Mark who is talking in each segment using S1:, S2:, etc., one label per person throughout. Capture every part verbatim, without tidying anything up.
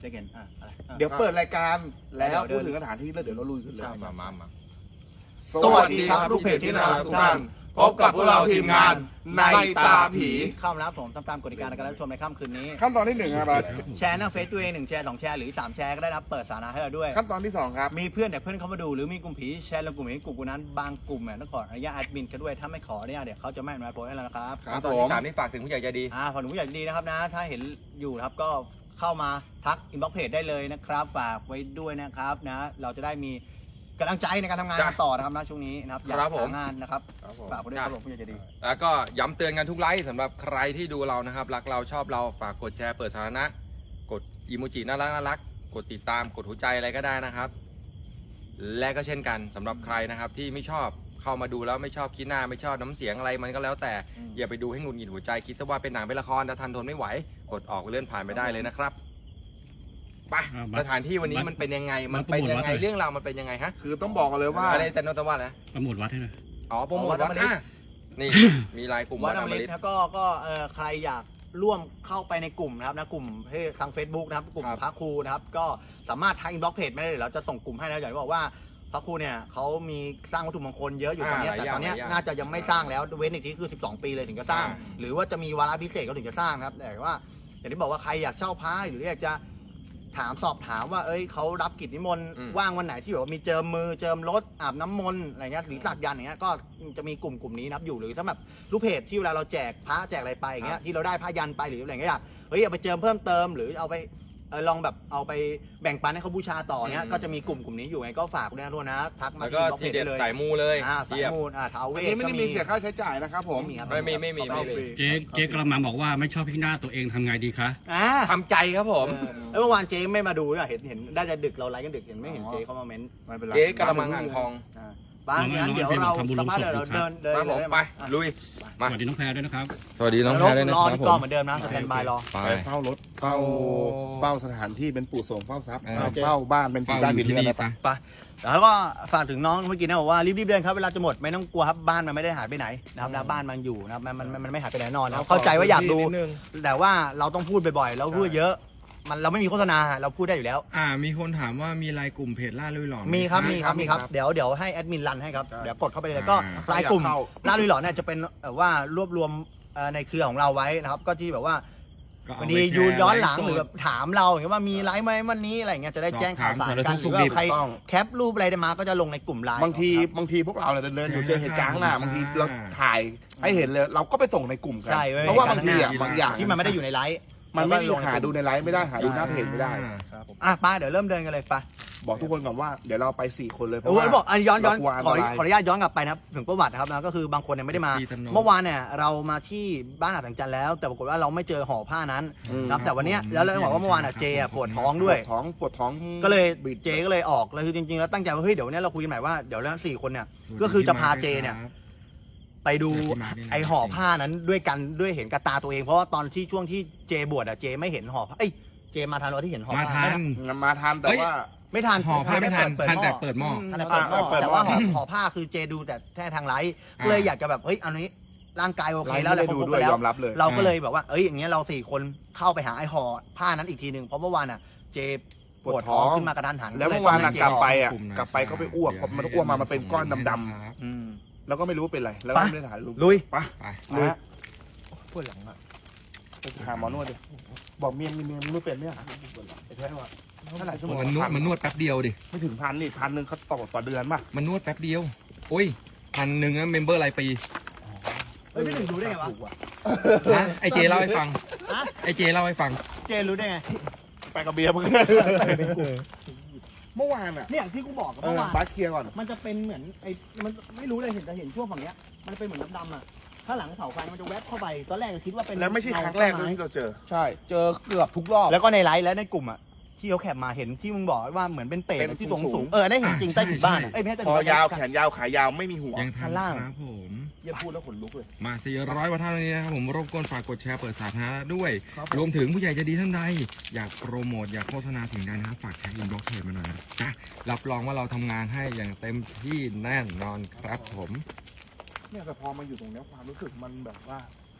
S1: ได้เห็นอ่ะอะไร
S2: เดี๋ยวเปิดรายการแล้วพูดถึงสถานที่แล้วเดี๋ยวเราลุยกันเลย
S3: มามามา
S2: สวัสดีครับลูกเพจที่น่ารักทุกท่านพบกับพวกเราทีมงานในตาผี
S1: เข้ามาแล้วผมตามตามกฎกติกาในการรับชมในค่ำคืนนี้
S2: ขั้นตอนที่หนึ่งครับ
S1: แชร์หน้าเฟซตัวเองหนึ่งแชร์สองแชร์หรือสามแชร์ก็ได้รับเปิดสาธารณะให้เราด้วย
S2: ขั้นตอนที่สองครับ
S1: มีเพื่อนแต่เพื่อนเข้ามาดูหรือมีกลุ่มผีแชร์ลงกลุ่มนี้กลุ่มนั้นบางกลุ่มเนี่ยต้องขออนุญาตแอดมินเขาด้วยถ้าไม่ขอเนี่ยเดี๋ยวเขาจะไม่อนุญาตโพสให้เรานะครับ
S2: ครับ
S3: ตอน
S2: ผ
S3: ที่
S2: ม
S3: สามนี่ฝากถึงผู้ใหญ่ใจดี
S1: อ่าขอหนูผู้ใหญ่ดีนะครับนะถ้าเห็นอยู่นะครับก็เข้ามาทักอินบ็อกซ์เพจได้เลยนะครับฝากไว้ด้วยนะครับนะเราจะได้มีกำลังใจในการทำงานกันต่อนะครับนะช่วงนี้นะครับอยาก
S3: ครับผม
S1: หางานนะครับฝากไว้ด้วยครับผมผู้ใหญ่ใจดี
S3: แล้วก็ย้ำเตือนกันทุกไลฟ์สำหรับใครที่ดูเรานะครับรักเราชอบเราฝากกดแชร์เปิดสาธารณะกดอีโมจิน่ารักน่ารักกดติดตามกดหัวใจอะไรก็ได้นะครับ และก็เช่นกันสำหรับใครนะครับที่ไม่ชอบเข้ามาดูแล้วไม่ชอบคิดหน้าไม่ชอบน้ำเสียงอะไรมันก็แล้วแต่
S1: อืม
S3: อย่าไปดูให้หงุดหงิดหัวใจคิดซะว่าเป็นหนังเป็นละครถ้าทันทนไม่ไหวกดออกเลื่อนผ่านไปได้เลยนะครับไป
S4: อ่าบัตร
S3: สถานที่วันนี้มันเป็นยังไงมัน
S4: บัตร
S3: เป็นยัง
S4: วัด
S3: ไง
S4: เลย
S3: เรื่องราวมันเป็นยังไงฮะ
S2: คือต้องบอกกันเลยว่า
S3: อะไรแต่โนตวัดนะ
S4: โปรโมทวัดให้หน่อย
S3: อ๋อโปรโมท
S1: วั
S3: วั
S1: ด
S3: ด
S1: อมฤต
S3: อ่ะนี่ มีลายกลุ่ม
S1: วั
S3: วั
S1: ด
S3: ด
S1: อ
S3: อ
S1: ม
S3: ม
S1: ฤ
S3: ฤ
S1: ต
S3: ต
S1: แล้วก็ก็เอ่อใครอยากร่วมเข้าไปในกลุ่มนะครับนะกลุ่มที่ทาง Facebook นะครับกลุ่ม
S3: ครับ
S1: พระครูนะครับก็สามารถทักอินบ็อกซ์เพจไม่ได้เดี๋ยวเราจะส่งกลุ่มให้แล้วอย่างที่บอกว่าพระครูเนี่ยเขามีสร้างวัตถุมงคลเยอะอยู่ตอนเนี้ยแต่ตอนเนี้ยน่าจะยังไม่สร้างแล้วเว้นอีกทีคือสิบสองปีเลยถึงจะสร้าง หรือว่าจะมีวาระพิเศษก็ถึงจะสร้างนะครับแต่ว่าอย่างที่บอกว่าใครอยากเช่าพระหรืออยากจะถามสอบถามว่าเอ้ยเขารับกิจนิมนต์
S3: อืม
S1: ว่างวันไหนที่แบบว่ามีเจิมมือเจิมรถอาบน้ำมนต์อะไรเงี้ยหรือสักยันต์อย่างเงี้ยก็จะมีกลุ่มกลุ่มนี้นับอยู่หรือสำหรับลูกเพจที่เวลาเราแจกพระแจกอะไรไปอย่างเงี้ยที่เราได้พระยันต์ไปหรืออะไรเงี้ยอยากเฮ้ยเอาไปเจิมเพิ่มเติมหรือเอาไปเออลองแบบเอาไปแบ่งปันให้เขาบูชาต่อเนี้ย
S3: อืม
S1: ก็จะมีกลุ่มกลุ่มนี้อยู่ไงก็ฝากด้วยนะทุกคนนะทักมา
S3: แล้วก็
S1: ที่
S3: ทีเด็ด
S1: ได้เลย
S3: สายมูเลย
S1: อ่าสาย
S3: เทียบ
S1: มูลอ่าท้าวเว
S2: อัน
S1: ส
S2: นี้ไม่ได้
S1: ก็
S2: มีเสียค่าใช้จ่ายนะครับผม
S1: ไม่มีครับ
S3: ไม่มีไม่มีไม่มี
S4: เจ๊เจ๊กระมังบอกว่าไม่ชอบที่หน้าตัวเองทำไงดีคะ
S1: อ่า
S3: ทำใจครับผม
S1: เออเมื่อวานเจ๊ไม่มาดูเนี่ยเห็นเห็นได้จะดึกเราไลฟ์กันดึกเห็นไม่เห็นเจ๊เขามาเม้นต์
S2: ไม่เป็นไร
S3: เจ๊กระมังอ่างทอง
S1: อ่าป้างั้นเดี๋ยวเราสัมภาษณ์เดี๋ยวเราเดินเดิน
S3: มาผม
S1: เลย
S3: ไป
S1: อ่ะ
S3: ลุย มา
S4: สวัสดีน้องแพรด้วยนะครับ
S3: สวัสดีน้อง
S1: ร
S3: แพรด้วยนะ
S1: รอ
S3: ครั
S1: ที่
S3: บผ
S1: กอง
S3: ม
S1: เหมือนเดิมนะสแตนบายรอ
S3: ไป
S2: ไปเฝ้ารถเฝ้า
S3: โอ้
S2: เฝ้าสถานที่เป็นปู่โสมเฝ้าทรัพย์
S3: เออ
S2: เฝ้าบ้านเป็น
S3: เฝ้า
S2: บ้าน
S3: อ
S2: บิ
S3: ยู่
S2: น
S3: ที่
S2: เรือน
S3: นี่
S2: นะ
S3: ไป
S1: ไปแล้วก็ฝากถึงน้องเมื่อกี้นะบอกว่ารีบๆเดินครับเวลาจะหมดไม่ต้องกลัวครับบ้านมันไม่ได้หายไปไหนนะครับนะบ้านมันอยู่นะครับมันมันมันมันไม่หายไปไหนแน่นอนนะครับเข้าใจว่าอยากดู แต่ว่าเราต้องพูดบ่อยๆเราพูดเยอะมันเราไม่มีโฆษณาเราพูดได้อยู่แล้ว
S5: อ่ามีคนถามว่ามีไลน์กลุ่มเพจล่าลุยหลอนไห
S1: มีครับมีครับ
S2: มี
S1: มี
S2: ค
S1: ค
S2: รั
S1: รับ บเดี๋ยวเดี๋ยวให้แอดมินรันให้ครับ
S2: ใช่
S1: เดี๋ยวกดเข้าไปเลยแล้วก็
S5: อ่า
S1: รายกลุ่ม
S2: ใครอยากเข้า
S1: ล่าลุยหลอนเนี่ยจะเป็นแบบว่ารวบรวมเอ่อในเครือของเราไว้นะครับก็ที่แบบว่า
S5: ก็เอา
S1: วัน
S5: ไป
S1: นี้
S5: แชร์
S1: ยูย้อนหลัง
S5: ไฟ์สด
S1: หรือแบบถามเราอย่างเงี้ยว่ามีไลฟ์ไหมวันนี้อะไรอย่างเงี้ยจะได้แจ้งข่าวสารกัน
S5: สอบถาม
S1: หรือว่าใคร
S2: ถูกต้อง
S1: แคปรูปอะไรได้มาก็จะลงในกลุ่มไลน์
S2: บางที
S1: ครับ
S2: บางทีพวกเราเนี่ยเดินๆอยู่เจอเหตุจ้างหน้า
S5: อ่า
S2: บางทีเราถ่ายให้เห็นเลย เราก็ไปส่งในกลุ่มกัน
S1: ใช่ไว้
S2: เพราะว่าบางทีอ่ะ
S5: ใน
S2: บางอย่าง
S1: ที่มันไม่ได้อยู่ในไลฟ์
S2: มันไม่ได้
S1: แล้วก็ลงใน
S2: หาดูในไลฟ์ไม่ได้หาดูหน้าเพจไม่ได้
S1: ครับผมอ่ะป้าเดี๋ยวเริ่มเดินกันเลยป้า
S2: บอกทุกคนก่อนว่าเดี๋ยวเราไปสี่คนเลยเพ
S1: โอ้
S2: ราะ
S1: โห
S2: ว่า
S1: บอกอันย้อนย้อน
S2: เรากลัวอัน
S1: ขอ
S2: ตราย
S1: ขออนุญาตย้อนกลับไปนะครับถึงประวัตินะครับนะก็คือบางคนเนี่ยไม่ได้มา
S5: ที่ถนน
S1: เมื่อวานเนี่ยเรามาที่บ้านอาบแสงจันทร์แล้ว แต่ปรากฏว่าเราไม่เจอห่อผ้านั้น
S2: อืม
S1: นะครับแต่วันเนี้ยแล้วเราบอกว่าเมื่อวานอ่ะเจอ่ะปวดท้องด้วย
S2: ปวดท้องปวดท้อง
S1: ก็เลย
S2: บิด
S1: เจก็เลยออกแล้วคือจริงๆแล้วตั้งใจว่าเฮ้ยเดี๋ยววันนี้เราคุยกันใหม่ว่าเดี๋ยวแล้วสี่คนเนี่ย ก็คือจะพาเจเนี่ย ไปดูไอห่อผ้านั้นด้วยกันด้วยเห็นกับตาตัวเองเพราะว่าตอนที่ช่วงที่เจบวชอ่ะเจไม่เห็นห่อผ้าเอ้ยเจมาทันวันที่เห็นห่อ
S5: มา
S1: ผ้า
S5: ทัน
S2: มาทันแต่
S5: เฮ้ย
S2: ว่า
S1: ไม่ทัน
S5: ห่อผ้าไม่ทัน
S1: เปิด
S5: ทัน
S1: หม้อ
S5: แต่เปิดหม้อ
S1: ทันแต่เปิดหม้อ
S2: อ่าเปิดหม้อ
S1: แต่ว่าห่อห่อผ้าคือเจดูแต่แค่ทางไลฟ์ก็เลยอยากจะแบบเฮ้ยอันนี้ร่างกายโอเค
S2: ไลฟ์
S1: แล้ว
S2: ไม่
S1: แหละ
S2: ได้ดู
S1: ครบ
S2: ด้วย
S1: ไปแล้
S2: ยว อมรับเลย
S1: เราก็เลยแบบว่าเอ้ยอย่างเงี้ยเราสี่คนเข้าไปหาไอห่อผ้านั้นอีกทีหนึ่งเพราะเมื่อวานอ่ะเจปวดท้องขึ้นมากระทันหัน
S2: แล้วเมื่อวานหลังกลับไปอ่ะ
S5: กลุ่มนะ
S2: กลับไปก็ไปอ้วกพอมันอ้วกมามันเป็นก้อนดำ
S1: อืม
S2: ๆแล้วก็ไม่รู้ว่าเป็นอะไรแล้วก็
S1: ไป
S2: ไม่ได้ถ่ายรูป
S1: ลุย
S2: ไป
S5: ไป
S2: ลุยปวดหลังอ่ะไปหาหมอนวดดิบอกเมียมีเมียมึงไม่เป็นเนี่ยไอ้แท้ว่าเท่าไหร่ชั่วโมง
S5: มันนวดมันนวดแป๊บเดียวดิ
S2: ไม่ถึงพันนี่พันหนึ่งเขาต่อต่อเดือนป่ะ
S5: มันนวดแป๊บเดียว โอ้ยพันหนึ่งนะเมมเบอร์รายปี
S1: เฮ้ยพี่หนึ่งรู้ได้ไงวะ
S2: ถูกว่
S5: นะไอเจเล่าให้ฟัง
S1: ฮะ
S5: ไอเจเล่าให้ฟัง
S1: เจรู้ได้ไง
S2: ไปกับเบียร์มึงเมื่อวานอ่ะ
S1: เนี่ยที่กูบอกกับ
S2: เอ
S1: เมื่
S2: อ
S1: อวาน
S2: บัสเคลียร์ก่อน
S1: มันจะเป็นเหมือนไอ้มันไม่รู้เลยเห็นแต่เห็นช่วงฝั่งเนี้ยมันเป็นเหมือนดำๆอ่ะถ้าหลังเสาไฟมันจะแวบเข้าไปตอนแรกก็คิดว่าเป็น
S2: แล้วไม่ใช่ครั้งแรกด้วย
S1: เงา
S2: ที่เราเจอ ใช่ เจอเกือบทุกรอบ
S1: แล้วก็ในไลฟ์และในกลุ่มอ่ะที่เขาแคปมาเห็นที่มึงบอกว่าเหมือนเป็นเปรต
S2: เป็น
S1: ที่ตรง
S2: สู
S1: สู
S2: ง
S1: ง
S2: ๆ
S1: เออได้เห็นจริงใต้ถุนบ้านอะ
S5: ใช่
S1: เอ้ยไม่ใช่ใต้
S2: ค
S1: ถุ
S2: อน
S1: บ้าน
S2: ยาวแขนยาวขายาวไม่มีหัว
S5: ยังทั
S1: ข้าน งล่าง
S5: ครับผม
S2: เยี่ยพูดแล้วขนลุกเลย
S5: มาสี่ร้อยกว่าท่านนี้นะครับผมรบกวนฝากกดแชร์เปิดสาธารณะด้วย
S2: ครับ
S5: รวมถึงผู้ใหญ่ใจะดีท่านใดอยากโปรโมทอยากโฆษณาสิ่งใดนะครับฝากแท็กอินบ็อกซ์เพจมาหน่อยนะจ๊ะรับรองว่าเราทำงานให้อย่างเต็มที่แน่นอนครับผม
S2: เนี่ยแต่พอมาอยู่ตรงเนี้ยความรู้สึกมันแบบว่า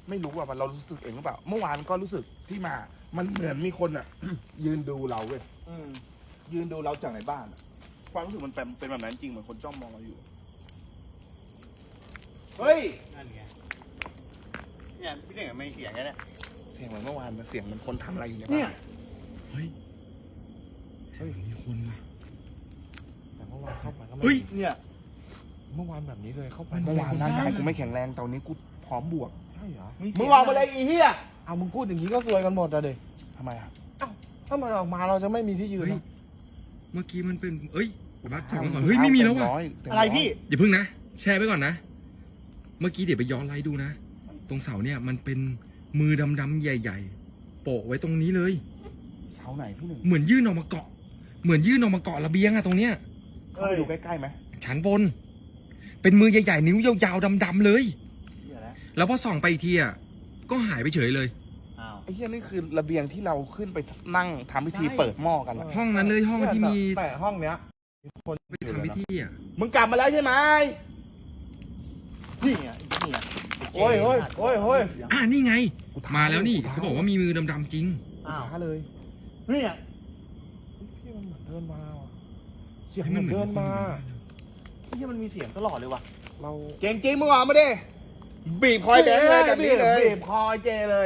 S2: ไม่รู้ว่ามันเรารู้สึกเองหรือเปล่า เมื่อวานก็รู้สึกที่มา มันเหมือนมีคนอ่ะ ยืนดูเราเว้ย
S1: อืม
S2: ยืนดูเราจากในบ้านอะความรู้สึกมันเป็นเป็นแบบนั้นจริงเหมือนคนจ้องมองเราอยู่ เฮ้ย
S1: นั่นไงเนี่ยพี่เน่งไม่เสียงกันเนี่ย
S2: เสียงเหมือนเมื่อวานมันเสียงเหมันคนทำอะไรอยู่ใน
S1: เนี่
S2: บ้าย น
S5: เฮ้ยเฮ้ยมีคนว่ะ
S2: แต่เมื่อวานเข้าไปก็ไม่
S5: เฮ้ย
S1: เนี่ย
S2: เมื่อวานแบบนี้เลยเข้าไป
S5: เมื่
S2: เมื่
S5: อวาว
S2: อาน น
S5: ร่า
S2: ร่าง ง
S5: กา
S2: กาย ย
S5: กู
S2: กู
S5: ไม่
S2: ไม่
S5: แข็
S2: แข็
S5: ง
S2: ง
S5: แร
S2: แรง งตอนนี้กูพร้อมบวก
S6: ใช่เหรอ
S2: มึงออกมาเลยอีเหี้ย
S6: เอามึงพูดอย่างนี้ก็ซวยกันหมดอะเด็
S2: ทำไมอ่ะ
S6: ถ้ามันออกมาเราจะไม่มีที่ยืน
S5: เฮ้ย
S6: นะ
S5: เมื่อกี้มันเป็นเอ้ยบัสจับมันก่อนเฮ้ยไม่มีแล้วว่ะ
S1: อะไรพี่
S5: อย่าเพิ่งนะแชร์ไปก่อนนะ เมื่อกี้เดี๋ยวไปย้อนไลฟ์ดูนะ ตรงเสาเนี่ยมันเป็นมือดำๆใหญ่ๆโปะไว้ตรงนี้เลย
S2: เสาไหนพี่หนึ่ง
S5: เหมือนยื่นออกมาเกาะ เหมือนยื่นออกมาเกาะระเบียงอะตรงเนี้ย
S2: เข้าไปดูใกล้ๆไหม
S5: ชั้นบน เป็นมือใหญ่ๆนิ้วยาวๆดำๆเลย
S1: เหี้ยแล้ว
S5: แล้วพอส่องไปอีกทีอะก็หายไปเฉยเลย
S1: อ้าว
S2: ไอ้เหี้ยนี่คือระเบียงที่เราขึ้นไปนั่งทำพิธีเปิดหม้อกันอะ
S5: ห้องนั้นเลยห้องที่มี
S6: แต่ห้องเนี้ย
S5: ไปทำพิธีอะ
S2: มึงกลับมาแล้วใช่ไหม
S1: นี่ไงนี่ไง
S6: โอ้ยโอ้ยโอ้ยโอ้ย
S5: อ่านี่ไง
S2: กูท้
S5: มาแล้วนี่
S2: ท้
S5: เขาบอกว่ามีมือดำๆจริง
S1: อ้าว
S6: ท้าเลย
S1: นี่ไง
S6: พี่มันเหมือนเดินมาว่ะเสียงเหมือนเดินมา
S1: ที่มันมีเสียงตลอดเลยว่ะ
S6: เรา
S2: เก่งจริงมึงออกมาดิบีบคอยแบงค์เลยแบบนี้เลย
S6: บีบคอยเจเลย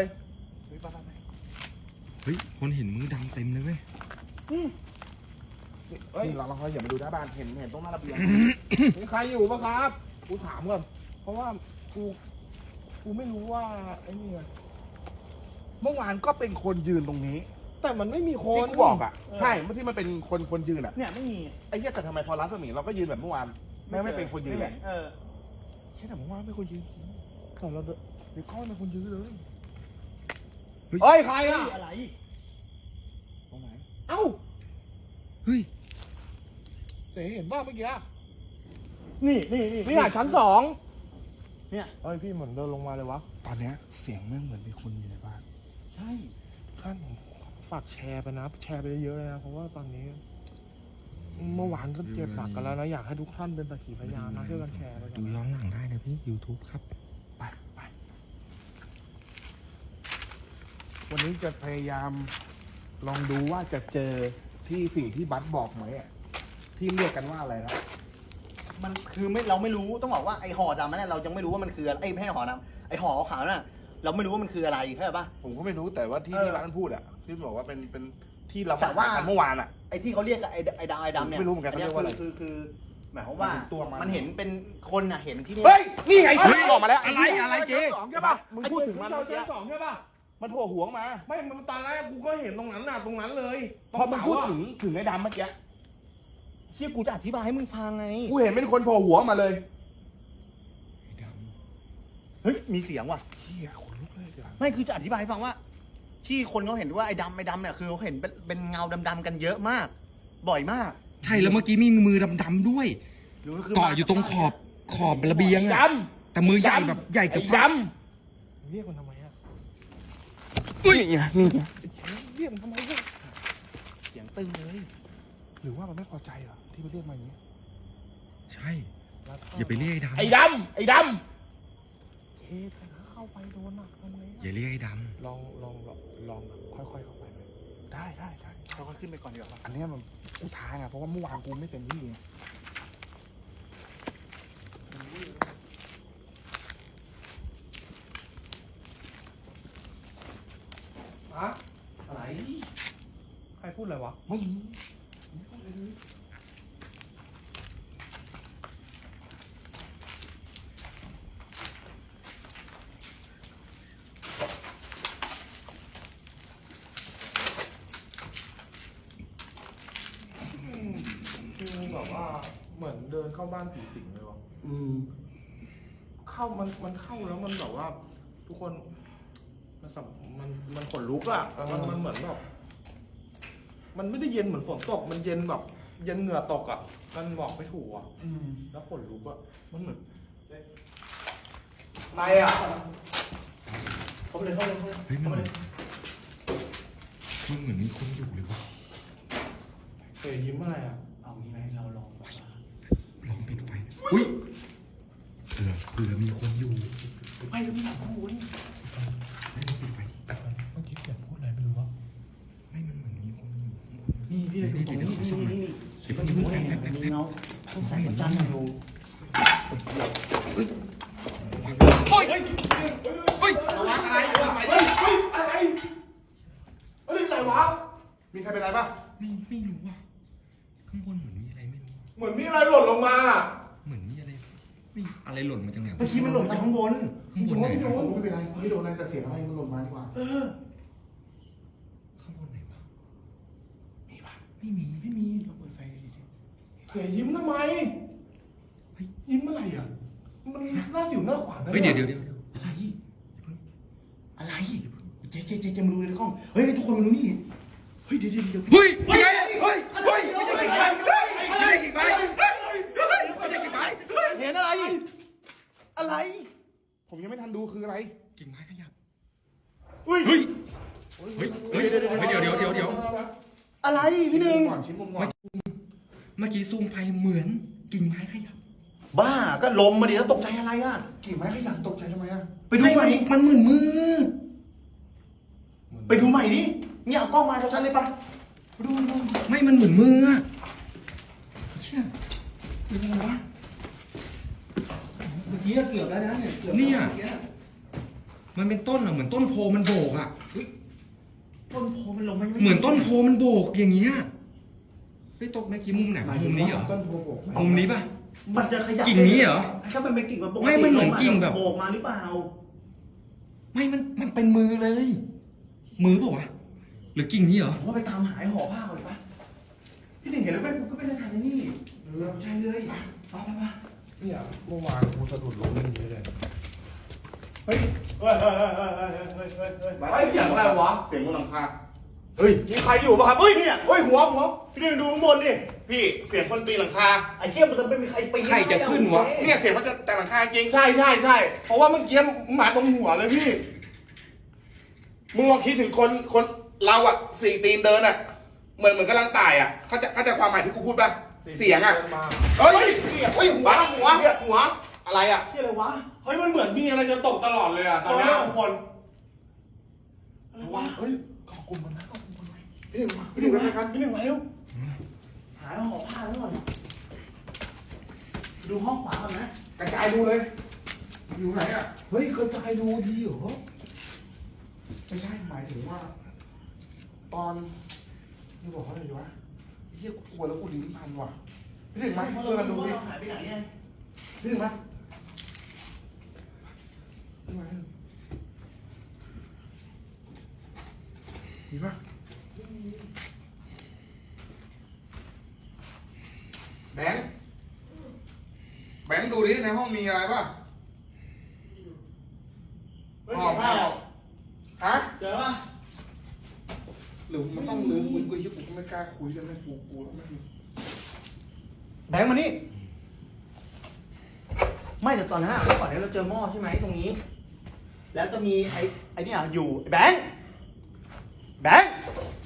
S5: เฮ้ย คนเห็นมือดำเต็มเลยเว้ย
S6: เฮ้ย
S2: นี่เราเราคอยอย่ามาดูหน้าบ้านเห็นเห็นตรงหน้าระเบียง
S6: มีใครอยู่ปะครับกูถามก่อนเพราะว่ากูกูไม่รู้ว่าไอ้นี่ไง
S2: เมื่อวานก็เป็นคนยืนตรงนี้
S6: แต่มันไม่มีค
S2: ที่
S6: น
S2: กูบอกอ่ะใช่เมื่อที่มันเป็นคนคนยืนอ่ะ
S1: เนี่ยไม่มี
S2: ไอ้เหี้ยแต่ทำไมพอร้านสมิงเราก็ยืนแบบเมื่อวานแม่งไม่เป็นคนยืน
S1: ไม่
S2: อะ
S1: เห็เออ
S2: ใช่แต่เมื่อวานไม่คนยืน
S6: แต่เราเดิน
S2: เดี๋ยวก้อนเป็นคนยืนเลย
S6: เฮ้ยใครอ่ะ
S1: อะไร
S2: ตรงไหน
S6: เอ้า
S5: เฮ้ย
S6: เสียเห็นป่ะเมื่อกี้
S1: นี่นี่นี่
S6: นี่อ่ะชั้นสอง
S1: เนี่ย
S6: เฮ้ยพี่เหมือนเดินลงมาเลยวะ
S2: ตอนเนี้ยเสียงแม่งเหมือนมีคนอยู่ในบ้าน
S1: ใช่
S6: ท่านผมฝากแชร์ไปนะ แชร์ไปเยอะๆเลยนะ เพราะว่าตอนนี้ เมื่อวานก็เจ็บหนักกันแล้วนะ อยากให้ทุกท่านเป็นสักขีพยานนะช่วยกันแชร์ไปกั
S5: ดู
S6: น
S5: ย้อนหลังได้นะพี่ YouTube ครับ
S2: ไปไปวันนี้จะพยายามลองดูว่าจะเจอที่สิ่งที่บัสบอกไหมอ่ะที่เรียกกันว่าอะไรนะ
S1: มันคือไม่เราไม่รู้ต้องบอกว่าไอห่อดำนั่นนะเรายังไม่รู้ว่ามันคืออะไรไอยไม่ใช่ห่อดำไอห่อขาวๆนั่นนะเราไม่รู้ว่ามันคืออะไรเข้าใจปะ
S2: ผมก็ไม่รู้แต่ว่าที่
S1: เออ
S2: ที่บัสมันพูดอ่ะที่บอกว่าเป็นเป็นที่เรา
S1: แต่
S2: มา
S1: ว่า
S2: หากันเมื่อวานอ่ะ
S1: ไอที่เขาเรียกไอไอดำไอดำเนี่ย
S2: ไม่รู้เหมือนกันเขาเรียกว่าอะไร
S1: คือคือหมายความว่า
S2: มันเป็นตัวมัน
S1: มันเห็นเป็นคนอ่ะเห็นที่นี่
S2: เฮ้ยนี่ไง
S5: เฮ้ย
S2: ออกมาแล้ว
S5: อะไรอะไรเจ๊
S2: ใช่ปะมึงพูดถึงมัน
S6: เจ
S2: เมื่อกี้
S6: ชั้นสองใช่ป่ะ
S2: มันโผล่หัวมา
S6: ไม่ มันตอนแรกกูก็เห็นตรงนั้นน่ะ ตรงนั้นเลย
S2: พอมึงพูด
S6: ตรงเสาะ
S2: ถึงถึงไอ้ดำเมื่อกี้
S1: เชี่ยกูจะอธิบายให้มึงฟังไง
S2: กูเห็นเป็นคนโผล่หัวมาเลย
S1: เฮ้ยมีเสียงว่ะ
S2: เฮียขนลุกเลยเดี๋ยว
S1: ไม่คือจะอธิบายให้ฟังว่า ที่คนเขาเห็นว่าไอ้ดำไอ้ดำเนี่ยคือเขาเห็นเป็นเป็นเงาดำๆกันเยอะมาก บ่อยมาก
S5: ใช่แล้วเมื่อกี้มีมือดำๆด้วย
S1: หรือคื
S5: เกาะอยู่ตรงขอบขอบระเบียง
S2: ด
S5: อะแต่มือใหญ่แบบใหญ่
S2: ำ
S5: เกับ
S2: ไอ้
S5: พั
S2: ด
S5: บ
S6: เรียกมันทำไมอ่ะ
S2: ำนี่ไงนี่ไง
S6: เรียกมันทำไมเนี่ย
S1: เสียงตึงเลย
S2: หรือว่ามันไม่พอใจเหรอที่ไปเรียกมาอย่างนี้
S5: ใช่ อย่าไปเรียกไอ้ด
S2: ไอ้ดำไอ้ด
S6: เอ๊ะถ้าเข้าไปโดนหนักทำไง
S5: ำอย่าเรียกไอ้ด
S6: ลองลองลองลองแบบค่อยๆเข้าไปเลย
S2: ำได้ได้ได้
S1: เราก็ขึ้นไปก่อนดีกว่า
S2: อันเนี้ยมันกูท้าไงเพราะว่าเมื่อวานกูไม่เต็มที่ไง
S6: อะอะไร ใครพูดอะไรวะ
S2: ไม่รู้
S6: คือแบบว่าเหมือนเดินเข้าบ้านผีสิงเลยวะ
S2: อืม
S6: เข้ามันมันเข้าแล้วมันแบบว่า ทุกคนมันสัมมันมันขนลุกอะมันมันเหมือนแบบมันไม่ได้เย็นเหมือนฝนตก มันเย็นแบบ เย็นเหงื่อตกอะมันบอกไม่ถูกอะ
S2: อืม
S6: แล้วขนลุกอะมันเหมือนใครอะ
S1: เขาเลยเขาเลยเขาเลย
S5: ำเฮ้ยมันเหมือนมันเหมือนมีคนอยู่เลยวะ
S6: เฮ้ยยิ้มอะไรอะ
S1: เอางี้ไหมเราลอง
S5: ลองปิดไฟอุ้ยเผื่อเผื่อมีคนอยู่
S1: ไปแล้วมีหลังข้างบน
S5: เ
S1: พี่เลยตรงนี้นี่นี่นี่นี่นี่นี่เงาต้องใส่ประจันอยู่
S3: โอ้ยโอ้ย
S6: ระวังอะไรระวังอะไรเฮ้ยอะไรเฮ้ยอะไรวะมีใครเป็นไรปะ
S5: ไม่ไม่รู้ว่ะข้างบนเหมือนมีอะไรไม่รู้
S6: เหมือนมีอะไรหล่นลงมา
S5: เหมือนมีอะไรไม่อะไรหล่นมาจากไหนวะ
S1: เมื่อกี้มันหล่นจากข้างบน
S5: ข้างบนไหน
S6: ไม่
S5: นะ
S6: โดนไม่เป็นไรไม่โดนอะไรแต่เสียงอะไรมันหล่นมาดีกว่า
S1: เออ
S5: ข้างบนไหนวะ
S6: มีปะ
S5: ไม่มีไม่มีเราเปิดไฟดิ
S6: เสียยิ้มทำไมเฮ้ยยิ้มอะไรอ่ะมันหน้าสิวหน้าขวาน
S5: เฮ้ยเดี๋ยวเดี๋ยวเดี๋ยว
S1: อะไรอะไรเจ๊เจ๊เจ๊เจ๊มาดูในกล้องเฮ้ยทุกคนมาดูนี่เฮ้ยเดี๋ยวเดี๋ยวเดี๋ยว
S5: เฮ้ย
S6: เฮ้ย
S5: เฮ้ย
S6: เฮ้ยเฮ้ยไม่ใช่กี่ใบไม่ใช่กี่ใบไม่ใช่กี่ใบ
S1: เห็นอะไรอะไร
S6: ผมยังไม่ทันดูคืออะไร
S5: กิ่งไม้ขยับ
S6: เฮ้ย
S5: เฮ้ยเฮ้ยเฮ้ยเดี๋ยวเดี๋ยวเดี๋ยวเดี๋ยว
S1: อะไรพี่หนึ่ง
S6: ก่อนชิ้นมุมก่อน
S5: เมื่อกี้ซูมไปเหมือนกิ่งไม้ขยับ
S1: บ้าก็ลมมาดิแล้วตกใจอะไรอ่ะ
S6: กิ่งไม้ขยันตกใจทำไมอ่ะ
S1: ไปดูใหม่
S5: มันเหมือนมือ
S1: ไปดูใหม่ดิเนี่ยเอากล้องมาชัดๆเลยปะไปดูดู
S5: ไม่มันเหมือนมืออะเชี่ย
S1: เป็นยังไงวะเมื่อกี้เกือบแล้วนะเนี่ยเกือบ
S5: เนี่ยมันเป็นต้นอะเหมือนต้นโพมันโบกอะ
S1: ต้นโพมันลงไม่
S5: เหมือนต้นโพมันโบกอย่างเงี้ยไปตกเมื่อกี้มุมไหนวะมุมนี้เหรอ
S6: ต้นโพโบก
S5: มุมนี้ป่ะ
S1: มันจะขยับ
S5: กิ่งนี้เหรอ
S1: ถ้ามันเป็นกิ่งแบบปกติ
S5: ไม่มันเหมือนกิ่งแบบ
S1: โบกมาหรือเปล่า
S5: ไม่มันมันเป็นมือเลย มือเปล่าวะหรือกิ่งนี้เหรอ
S1: ผมว่าไปตามหายห่อผ้าก่อนเลยปะพี่หนึ่งเห็นแล้วแม่กูก็ไม่ได้ทานนี่ใช่เลยไปไปไป
S6: เนี่ยเมื่อวานกูสะดุดล้มอย่างนี้เลย
S1: เฮ้ยเฮ้ยเฮ้ยเฮ้ยเฮ้ยเฮ้ยเฮ้ยเฮ้ยเฮ้ยเสียงอะไรวะ
S6: เสียงบนหลังคา
S1: เฮ้ยมีใครอยู่ป่ะครับเฮ้ยเนี่ยเฮ้ยหัวหัวพี่หนึ่งดูข้างบนดิ
S6: พี่เสียงคนปีนหลังคา
S1: ไอ้เจี๊ยบมันจะไม่มีใครปีน
S5: ใครจะขึ้นวะ
S6: เนี่ยเสียงมันจะแต่หลังคาจริง ใช่ใช่ใช่เพราะว่าเมื่อกี้หมาตรงหัวเลยพี่ มึงลองคิดถึงคนคนเราอะสี่ตีนเดินอะเหมือนเหมือนกำลังตายอะเขาใจะเขาใจะความหมายที่กูพูดป่ะ เสียงอะเฮ้ยเฮ้ยหัวหัวหัวอะไรอะ
S1: ที่อะไรวะ
S6: เฮ้ยมันเหมือนมีอะไรจะตกตลอดเลยอะตอนเนี้ยทุกคน
S1: อะไรวะ
S6: เฮ้ยขอบคุณมันนะขอบคุณมันนะพี่หนึ่งมาพี่หนึ่งมากันพี่หนึ่งมาเร็ว
S1: หายห่อผ้าแล้วก่อนดูห้องขวาก่อนนะ
S6: กระจายดูเลย อยู่ไหนอะเฮ้ยกระจายดูดีเหรอไม่ใช่หมายถึงว่า ตอนนี่บอกเขาอะไรดีวะเฮียกูกลัวแล้วกูลิ้นพันว่ะพี่หนึ่งมาช่วยกันดูดิ
S1: หายไปไหนไง
S6: พี่หนึ่งมาพี่มามีปะแบงค์แบงค์ดูดิในห้องมีอะไรปะห่อผ้าฮะ
S1: เจอป่ะ
S6: หรือมันต้องลืมคุยกูยี่กูก็ไม่กล้าคุยกันไม่กูกูต้องไม่
S1: แบงค์มานี่ ไม่แต่ตอนนั้นอะก่อนนี้เราเจอหม้อใช่ไหมตรงนี้ แล้วจะมีไอ้ไอ้เนี่ยอยู่ไอ้แบงค์แบงค์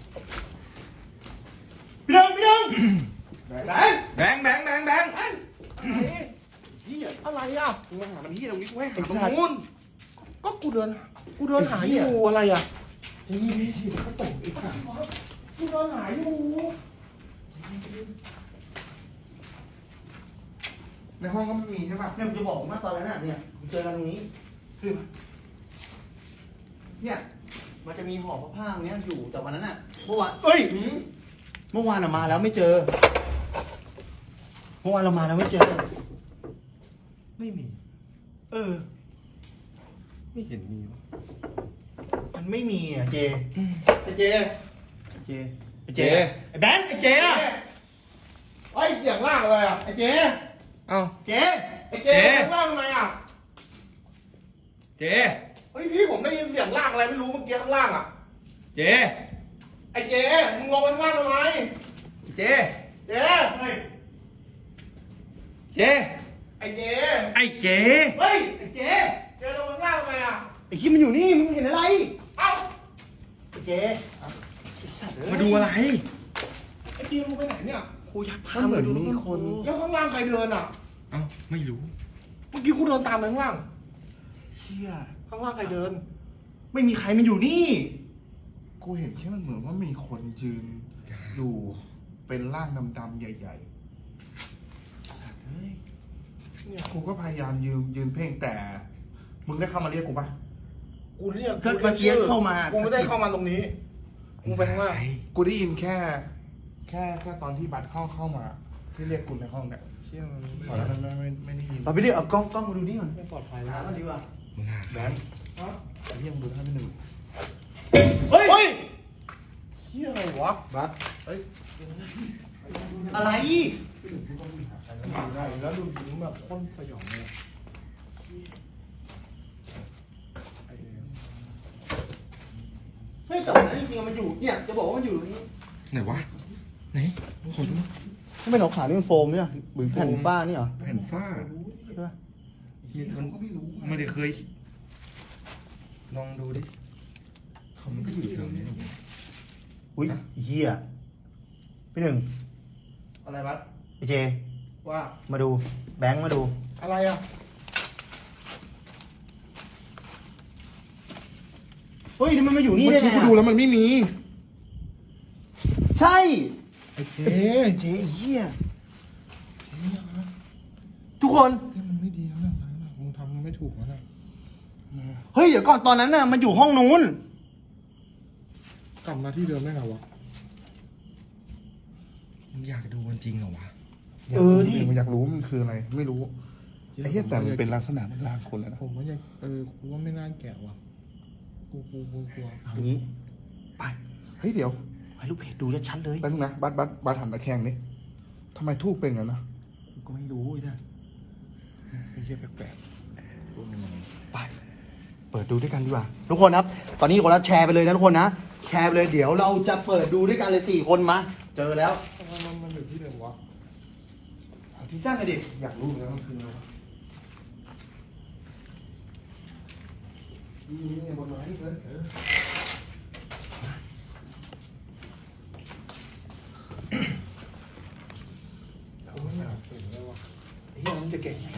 S1: พี่หนึ่งพี่หนึ่งแบงค์
S5: แบงค์แบงค์แบงค์แบงค์
S1: เฮียอะไรอ่ะ
S6: กูหามันที่ตรงนี้กูให้หาตรงนู้นก็กูเดินกูเดินหาอยู่อะไรอ่ะนี่นี่ที่เขาตกอีกอ่ะกูเดินหาอยู่ในห้องก็ไม่มีใช่ป่ะ
S1: เนี่ยผมจะบอกว่าตอนนั้นน่ะเนี่ยผมเจอกันตรงนี้คือเนี่ยมันจะมีห่อผ้าๆตรงเนี้ยอยู่แต่วันนั้นน่ะเมื่อวานเอ้ยเมื่อวานอะมาแล้วไม่เจอ เมื่อวานเรามาแล้วไม่เจอ
S5: ไม่มี
S1: เออ
S5: ไม่เห็นมีวะ
S1: มันไม่มีอ่ะเจ
S6: ไอ้เจ
S1: เจไอ้เจไอ้แบงค์ไอ้เจอะ
S6: ไอ้เสียงล่างเลยอ่ะไอ้เจ
S5: เอ้า
S1: เจ
S6: ไอ้เจข้างล่างทำไมอ่ะ
S5: เจ
S6: เฮ้ยพี่ผมได้ยินเสียงล่างอะไรไม่รู้เมื่อกี้ข้างล่างอ่ะ
S5: เจ
S6: ไอ้เจมึงลงไปข้างล่างทำไม
S5: เจ
S6: เจเฮ้ย
S5: เจ
S6: ไอ้เจ
S5: ไอ้เจ
S1: เฮ้ยไอ้เจ
S6: เจลงไปข้างล่างทำไมอ่ะ
S1: ไอ้คิดมันอยู่นี่มึงเห็นอะไร
S6: เอ้า
S1: ไอ้เจไอ้สัตว์เอ้ย
S5: มาดูอะไร
S6: ไอ้เจลงไปไหนเนี่ย
S1: กูอยากพามาดูต้นโพ
S6: แล้วข้างล่างใครเดินอ่ะ
S5: เอ้าไม่รู้
S6: เมื่อกี้กูเดินตามไปข้างล่าง
S1: เชี่ย
S6: ข้างล่างใครเดิน
S1: ไม่มีใครมันอยู่นี่
S6: กูเห็นแค่มันเหมือนว่ามีคนยืนอยู่
S2: เป็นร่างดำๆใหญ่ๆเนี่ยกูก็พยายามยืนยืนเพ่งแต่ มึงได้เข้ามาเรียกกูปะ
S6: กูเรียก
S1: ก็เมื่อกี้เข้ามา
S6: กูไม่ได้เข้ามาตรงนี้กูไปข้างล่าง
S2: กูได้ยินแค่ แค่แค่ตอนที่บัตรเข้าเข้ามา ที่เรียกกูในห้องเนี่ย
S6: เชี่ยมัน
S2: ตอนนั้นไม่ไม่ไม่ได้ยิน
S1: เอาไปดิเอากล้องกล้องมาดูนี่ก่อน
S6: ไม่ปลอดภัย
S1: หา
S6: แล้ว
S1: มาดีกว่า
S5: มึงหา
S2: แบงค์ไอ้เหี้ยมึงดูท่านพี่หนึ่ง
S1: เฮ้ย
S6: เฮ้ยเชี่ยอะไรวะ
S2: บัตร
S6: เฮ้ย
S1: อะไร
S2: พี่หนึ่งพี่ต้องไปหาใครแล้ว
S6: ดูได้แล้วดูถึงแบบข้นสยองเลยไอ้เหี้ย
S1: เฮ้ยแต่วันนั้นจริงๆมันอยู่เนี่ยจะบอกว่ามันอยู่ตรงนี้
S5: ไหนวะ ไหนขอดู
S1: ไม่เป็นขาวๆนี่มันโฟมเนี่ยหรือแผ่นฝ้านี่เหรอ
S5: แผ่นฝ้า
S1: ใช่ปะ
S2: เหี้ยเขาก็ไม่รู้
S5: ไม่ได้เคย ลองดูดิเขาไม่ได้อยู่แถวนี้หรอก
S1: อุ้ยเหี้ยพี่หนึ่ง
S6: อะไรบัส
S1: ไอเจ
S6: ว่า
S1: มาดูแบงค์มาดู
S6: อะไรอ่ะ
S1: เฮ้ยทำไมมาอยู่นี่
S2: เมื่อ
S1: ได้
S2: กี้
S1: ไง
S2: กูดูแล้วมันไม่มี
S1: ใช่
S2: ไอ้เจ๊
S1: เจเหี้ยทุกคน
S6: เฮ้ยมันไม่ดีแล้วนะมึงทำมันไม่ถูกแล้วนะ
S1: เฮ้ยเดี๋ยวก่อนตอนนั้นน่ะมันอยู่ห้องนู้น
S6: กลับมาที่เดิมได้ไงวะ
S5: มึงอยากดูมันจริงเหรอวะ
S1: เออดิ
S2: ผมอยากรู้ว่ามันคืออะไร ไม่รู้ไอ้เหี้ยแต่มันเป็นลักษณะเหมันร่างคนแล้วนะ
S6: ผมว่ายังเออกูว่าไม่น่าแกะว่ะกูกูกูกลัว
S1: เอางี้
S2: ไปเฮ้ยเดี๋ยว
S1: ให้ลูกเพจดูชัดๆเลย
S2: แป๊บนึงนะบัตรบัตรบัตรหันตะแคงนี่ทำไมทูบเป็นงั้นนะ
S1: กูก็ไม่รู้ไอ้เนี่ย
S2: ไอ้เหี้ยแปลก
S1: ไป เปิดดูด้วยกันดีกว่า ทุกคนครับ ตอนนี้คนละแชร์ไปเลยนะทุกคนนะ แชร์ไปเลยเดี๋ยวเราจะเปิดดูด้วยกันเลยสี่คนมา เจอแล้ว
S6: มันมันมันอยู่ที่เดิมวะ
S2: ๆเอาที่
S1: จ้างเลยดิ
S2: อยากรู้เหมือนกันว่ามันคืออะไรวะนี่นี่บนไม้นี่เลยเออเอาไว้เนี่ย
S6: เห็นเลยวะ
S2: ไอ้เหี้ยมันจะเก่งไง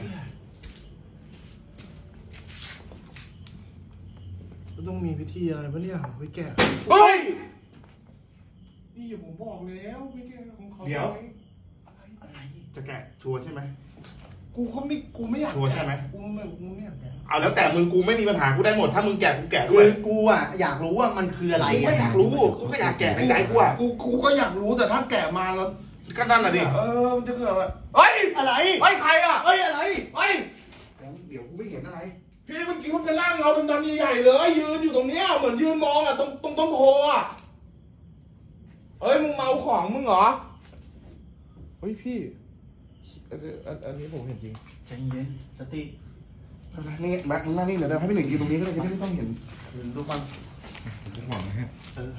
S6: มันต้องมีพิธีอะไรปะเนี่ยไปแกะ
S2: เฮ้ย
S6: นี่ผมบอกแล้วไปแกะของเขา
S2: เดี๋ยว
S6: อะไร
S2: จะแกะชัวร์ใช่ไหม
S6: กูเขาไม่กูไม่อยาก
S2: ชัวร์ใช่ไหม
S6: กูไม่กูไม่อยากแกะ
S2: เอาแล้วแต่มึงกูไม่มีปัญหากูได้หมดถ้ามึงแกะกูแกะด้
S1: คื
S2: วย
S1: อกูอ่ะอยากรู้ว่ามันคืออะไร
S2: กูก็อยากรู้กูก็อยากแกะในใจกูอ่ะ
S6: กูกูก็อยากรู้แต่ถ้าแกะมาแล้ว
S2: ก็นั่นน่ะดิ
S6: เออมันจะเกิดอะไรเฮ้ย
S1: อะไร
S6: เฮ้ยใครอ่ะ
S1: เฮ้ยอะไร
S6: เฮ้ย
S2: เดี๋ยวกูไม่เห็นอะไร
S6: พี่เมื่อกี้มันเป็นร่างเงาดำๆใหญ่ๆเลยยืนอยู่ตรงเนี้ยเหมือนยืนมองอ่ะตรงตรงต้นโพอ่ะเฮ้ยมึงเมาของมึงเหรอเฮ้ยพี่อันอันอันนี้ผมเห็นจริง
S1: ใจเย็นสติ
S2: อะไรนี่แม็กมึงนั่งนี่เดี๋ยวให้พี่หนึ่งยืนตรงนี้ก็ได้จะได้ไม่ต้องเห็น
S1: ดูก่อน
S5: ผมหวังนะฮะ
S1: เออ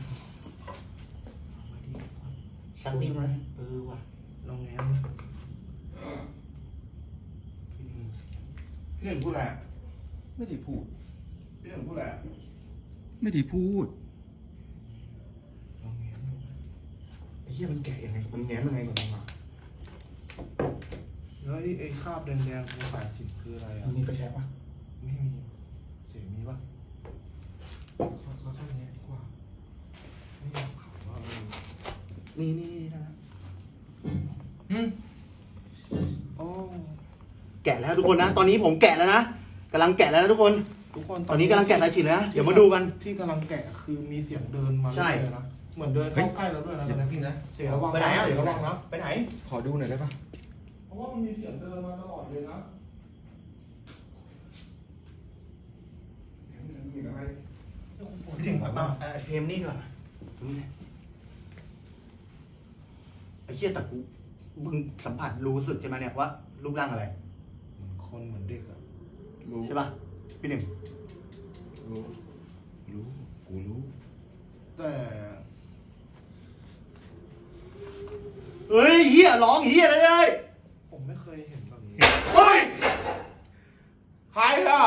S1: สักนิดไหมเออว่ะ
S6: ลองแง้ม
S2: พี่หนึ่งพูดอะไร
S5: ไม่ได้พูด
S2: พี่หนึ่งพูดอะไร
S5: ไม่ได้พูด
S6: ลองแง้มดู
S2: ไอ้เหี้ยมันแกะยังไงมันแง้มยังไงก่อนมา
S6: แล้วไอ้ไอ้คราบแดงๆตรงสายสิญจน์คืออะไรอ่ะ
S2: มันมีไฟแช็กปะ
S6: ไม่มีเสียงมีปะเขาเขาเข้าแง้ดีกว่าไม่อยากขับว่าเออ
S1: นี่นี่นี่นะ
S5: อืม
S6: โอ้
S1: แกะแล้วทุกคนนะ ตอนนี้ผมแกะแล้วนะกำลังแกะแล้วนะทุกคน
S6: ทุกคน
S1: ตอนนี้กำลังแกะสายฉีดเลยนะ เดี๋ยวมาดูกัน
S6: ที่กำลังแกะคือมีเสียงเดินมา
S1: ใช่
S6: เรื่อยๆนะเหมือนเดินเข้าใกล้เราด้วยนะ
S5: อย่า
S6: ตอน
S5: เพิ่
S6: นี้
S5: งนะ
S6: เสียงระวัง
S1: ไปไหน
S6: นะ
S1: อ่ะ
S6: เสียงระวังนะ
S1: ไปไหน
S5: ขอดูหน่อยได้ปะ
S6: เพราะว่ามันมีเสียงเดินมาตลอดเลยนะ
S2: มีอะไร
S1: พี่ถึงก่อนมาเอ่อเฟรมนี่ก่อนตรงนี้นะไอ้เชี่ยแต่กูมึงสัมผัสรู้สึกใช่ไหมเนี่ยว่ารูปร่างอะไร
S6: เหมือนคนเหมือนเด็กอะ
S2: รู้
S1: ใช่ป่ะพี่หนึ่ง
S2: รู้รู้กูรู้
S6: แต่
S1: เฮ้ยเฮียร้องเฮียอะไรเลย
S6: ผมไม่เคยเห็นแบบนี้
S1: เฮ้ย
S6: ใครอ่ะ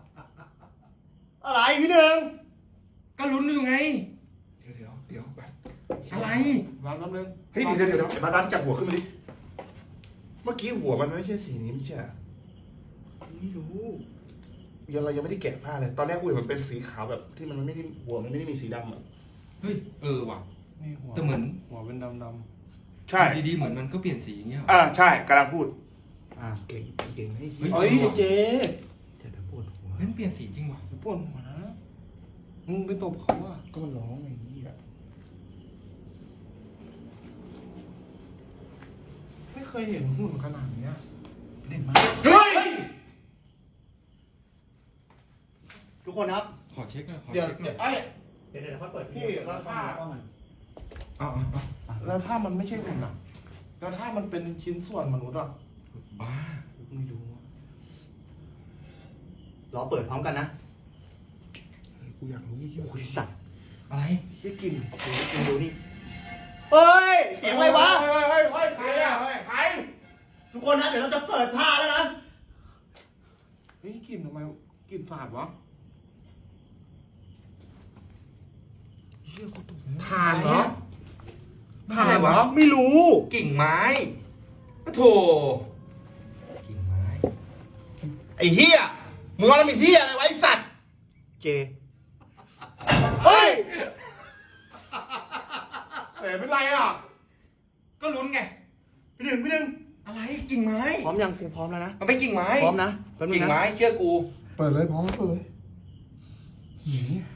S1: อะไรพี่หนึ่ง
S5: ก็ลุ้นอยู่ไง
S2: เดี๋ยวเดี๋ยวเดี๋ยวบัตร
S5: อะไร
S6: รับแป๊บนึง
S2: เฮ้ยเดี๋ยวเดี๋ยวเดี๋ยวไอ้บัตรบัตรจับหัวขึ้นมาดิเมื่อกี้หัวมันไม่ใช่สีนี้ไม่ใช่เหรอ
S1: ไม่รู้
S2: ยังเรายังไม่ได้แกะผ้าเลย ตอนแรกกูเห็นมันเป็นสีขาวแบบที่มันไม่ได้หัวมันไม่ได้มีสีดำอ่ะ
S5: เฮ้ย เออว่ะ
S6: นี่หัว
S5: แต่เหมือน
S6: หัวเป็นดำ
S2: ใช่
S3: ดีๆเหมือนมันก็เปลี่ยนสีอย่างเงี้ยเหรอ
S2: อ่าใช่กำลังพูด อ่าเก่งเก่งให้
S3: เฮ้ย
S6: เฮ้ยเจ๊
S2: จะปวดหัว
S3: เฮ้ยมันเปลี่ยนสีจริงว่ะ
S6: ปวดหัวนะมึงไปตบเขาอ่ะ
S2: ก็ร้องอย่างนี้อ่ะ
S6: ไม่เคยเห็นหุ่นขนาดเนี้ย
S2: เล่นมา
S6: เฮ้ย
S1: ทุกคนครับ
S3: ขอเช็คหน่อยขอ
S6: เดี๋ยว
S3: เช็คหน่
S6: เดี๋
S3: อย
S6: วย ไอ้
S1: เดี๋ยวเดี๋ยวเขาเปิด
S6: พี่แล้วถ้า
S3: เอาเอาเอา
S6: แล้วถ้ามันไม่ใช่หุ่นอ่ะ แล้วถ้ามันเป็นชิ้นส่วนมนุษย์อ่ะ
S3: บ้า
S6: ไม่รู้อะ
S1: รอเปิดพร้อมกันนะ
S2: กูอยากรู้ยี่
S1: โอ้ยสัตว์
S3: อะไร
S6: ที่กลิน
S1: โอ้โหมึงดูนี่เฮ้ยเสียงอะไรวะ
S6: เฮ้ยเฮ้ยเฮ้ยใครอ่ะเฮ้ยใคร
S1: ทุกคนนะเดี๋ยวเราจะเปิดผ้าแล้วนะ
S6: เฮ้ยกลิ่นทำไมกลิ่นสาบวะ
S2: เชี่ยกูตก
S6: ทานเหรอ
S3: ทานอะไรวะ
S6: ไม่รู้
S3: กิ่งไม้ปะโถกิ่งไม้
S6: ไอ้เหี้ยมึงว่าเรามีเหี้ยอะไรไวะไอ้สัตว์
S1: เจ
S6: เฮ้ยเอ๋เป็นไรอ่ะ
S3: ก็ลุ้นไง
S6: พี่หนึ่งพี่หนึ่ง
S3: อะไรกิ่งไม้
S1: พร้อมยังกูพร้อมแล้วนะ
S3: มันเป็นกิ่งไม้
S1: พร้อมนะแป๊บนึ
S3: กิ่
S1: ง
S3: ง
S1: นะ
S3: ไม้เชื่อกู
S2: เปิดเลยพร้อมเปิดเลยหี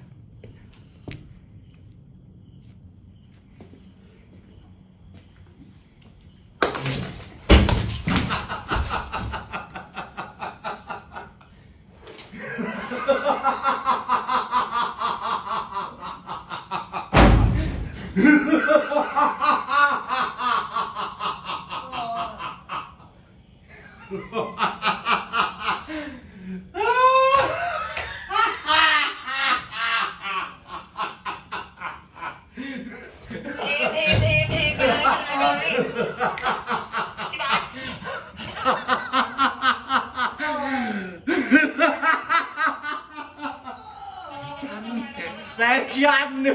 S1: แซงยันเนื้อ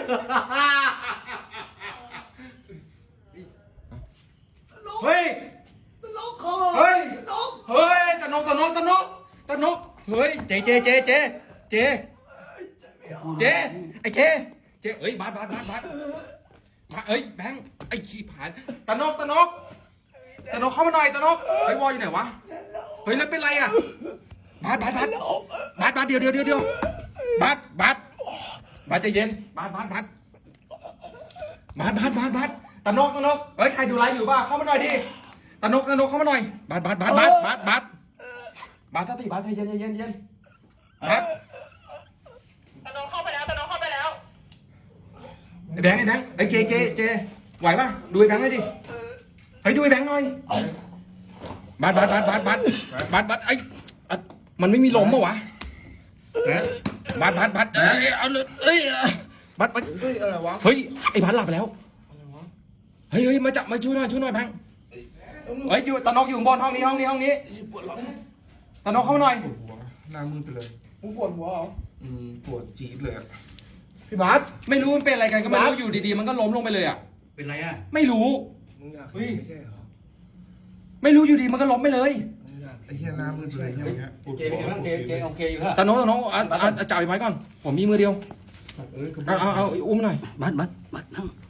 S6: เฮ้ย
S1: นกเขา
S6: เฮ้ย
S1: นก
S6: เฮ้ยตะนกตะนกตะนกตะนก
S3: เฮ้ยเจเจเจเจเจเจไอ้เจเจเอ้ยบาสบาสบาสบาสบาสเอ้ยแบงค์ไอ้ขี้ผาน
S6: ตะนกตะนกตะนกเข้ามาหน่อยตะนก
S3: ไอ้วอลอยู่ไหนวะเฮ้ยแล้วเป็นไรอ่ะบาสบาสบาสบาสบาสเดี๋ยวเดี๋ยวเดี๋ยวเดี๋ยวบาสบาสบาสใจเย็นบาสบาสบาสบาสบาสบาสบาส
S6: ตะนกตะนกเฮ้ยใครดูไลฟ์อยู่บ้างเข้ามาหน่อยดิ
S3: ตะนกตะนกเข้ามาหน่อยบาสบาสบาสบาสบาสบาสบาสสติบาสใจเย็นใจเย็นใจเย็นบาส
S7: ตะนงเข้าไปแล้วตะนงเข้าไปแล้ว
S3: ไอ้แบงค์ไอ้แบงค์ไอ้เจเจเจไหวป่ะดูไอ้แบงค์หน่อยดิเฮ้ยดูไอ้แบงค์หน่อยบาสบาสบาสบาสบาสบาสบาสไอ้อ่ะมันไม่มีลมปะวะบาสบาสบาสเอ้ยเอาเลยเอ้ยบาสบาส
S6: เฮ้ยอะไรวะ
S3: เฮ้ยไอ้บาสหลับไปแล้ว
S6: อะไรวะ
S3: เฮ้ยเฮ้ยมาจับมาช่วยหน่อยช่วยหน่อยแบงค์เฮ้ยอยู่ตะนกอยู่บนห้องนี้ห้องนี้ห้องนี้
S6: ปวดหลัง
S3: ตะนกเข้ามาหน่อย
S2: ปวดหัวหน้ามืดไปเลย
S6: มึงปวดหัวเหรอ
S2: อืมปวดจี๊ดเลยอะ
S6: พี่บาส
S3: ไม่รู้มันเป็นอะไรกันก็ไม่
S6: บา
S3: รู้
S6: ส
S3: อยู่ดีๆมันก็ล้มลงไปเลยอ่ะ
S4: เป็นไรอ่ะ
S3: ไม่รู้
S6: มึงอยาก
S3: เฮ้ย
S6: ไม่ใช่เหรอ
S3: ไม่รู้อยู่ดีมันก็ล้มไปเลย
S6: มึงอยาก
S2: ไอ้เหี้ยหน้ามืดไปเลยเหี้ยเงี้ยปวด
S4: เจ
S2: หั
S4: เป็น
S2: ว
S4: ไงบ้างเจเจโอเคอยู่ฮะ
S3: ตะนกตะนกเอาเอาเอาจับไอ้ไม้ก่อนผมมีมือเดียว
S2: สัตว์เอ้ยกระ
S3: เอาเอาเอาอุ้มหน่อย
S4: บัดบัดบัด